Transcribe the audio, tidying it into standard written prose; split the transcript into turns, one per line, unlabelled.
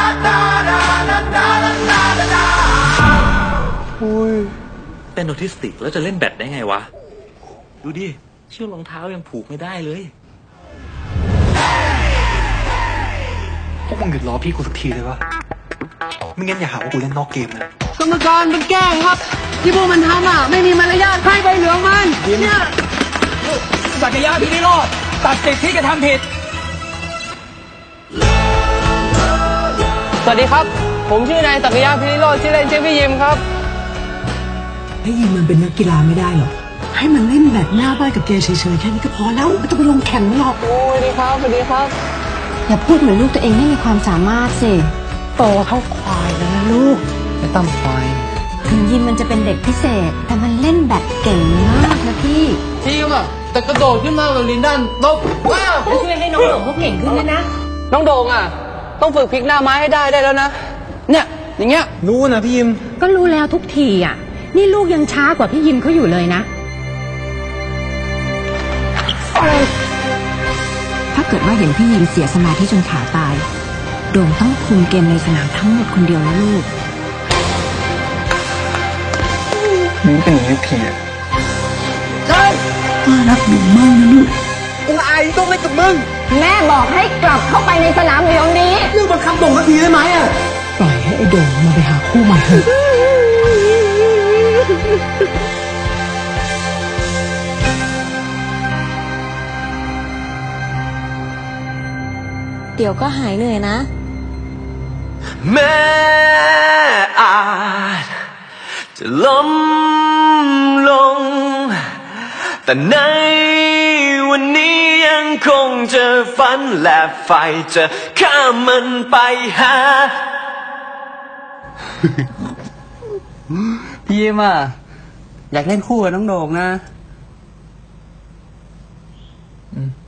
เป็นออทิสติกแล้วจะเล่นแบดได้ไงวะดูดิเชือกรองเท้ายังผูกไม่ได้เลย
พวกมึงหยุดล้อพี่กูสักทีเลยวะไม่งั้นอย่าหาว่ากูเล่นนอกเกมนะ
กรรมการมันแกล้งครับที่พวกมันทำอ่ะไม่มีมารยาทให้ใบเหลืองมันเนี่ย
ศักยะพี่ไม่รอดตัดสิทธิ์ที่กระทำผิด
สวัสดีครับผมชื่อนายศักยะพิริโรจน์ชื่อเล่นชื่อพี่ยิมครับ
ให้ยิมมันเป็นนักกีฬาไม่ได้หรอกให้มันเล่นแบบหน้าบ้านกับแกเฉยๆแค่นี้ก็พอแล้วไม่ต้องไปลงแข่งหรอก
สวัสดีครับสวัสดีครับ
อย่าพูดเหมือนลูกตัวเองไม่มีความสามารถสิ
โตเท่าควายแล้วนะลูก
ไม่ต้องควาย
ถึงยิมมันจะเป็นเด็กพิเศษแต่มันเล่นแบบเก่งมากนะพี่
อ่ะแต่กระโดดขึ้นมาแบบลินดันลบว้าว
ช่วยให้น้องโด่งเขาเก่งขึ้นนะ
น้องโด่งอ่ะต้องฝึกพลิกหน้าไม้ให้ได้แล้วนะเนี่ยอย่างเงี้ย
รู้นะพี่ยิม
ก็รู้แล้วทุกทีอ่ะนี่ลูกยังช้ากว่าพี่ยิมเขาอยู่เลยนะถ้าเกิดว่าเห็นพี่ยิมเสียสมาธิจนขาตายโด่งต้องคุมเกมในสนามทั้งหมดคนเดียวนะลูก
นี่เป็นอย่างนี้ทีอ่ะ
ใช่ป้ารักหนูมากนะลูก
กูอายต้องเล่นกับมึง
แม่บอกให้กลับเข้าไปในสนามเดี๋ยวนี้
เรื่องบังคับโด่งสักทีได้ไหมอ่ะ
ปล่อยให้ไอ้โด่งมาไปหาคู่ใหม่เถอะ
เดี๋ยวก็หายเหนื่อยนะ
แม้อาจจะล้มลงแต่ในวันนี้ยังคงจะฝันและไฟจะข้ามมันไปหา
พี่ยิมอ่ะอยากเล่นคู่กับน้องโด่งนะ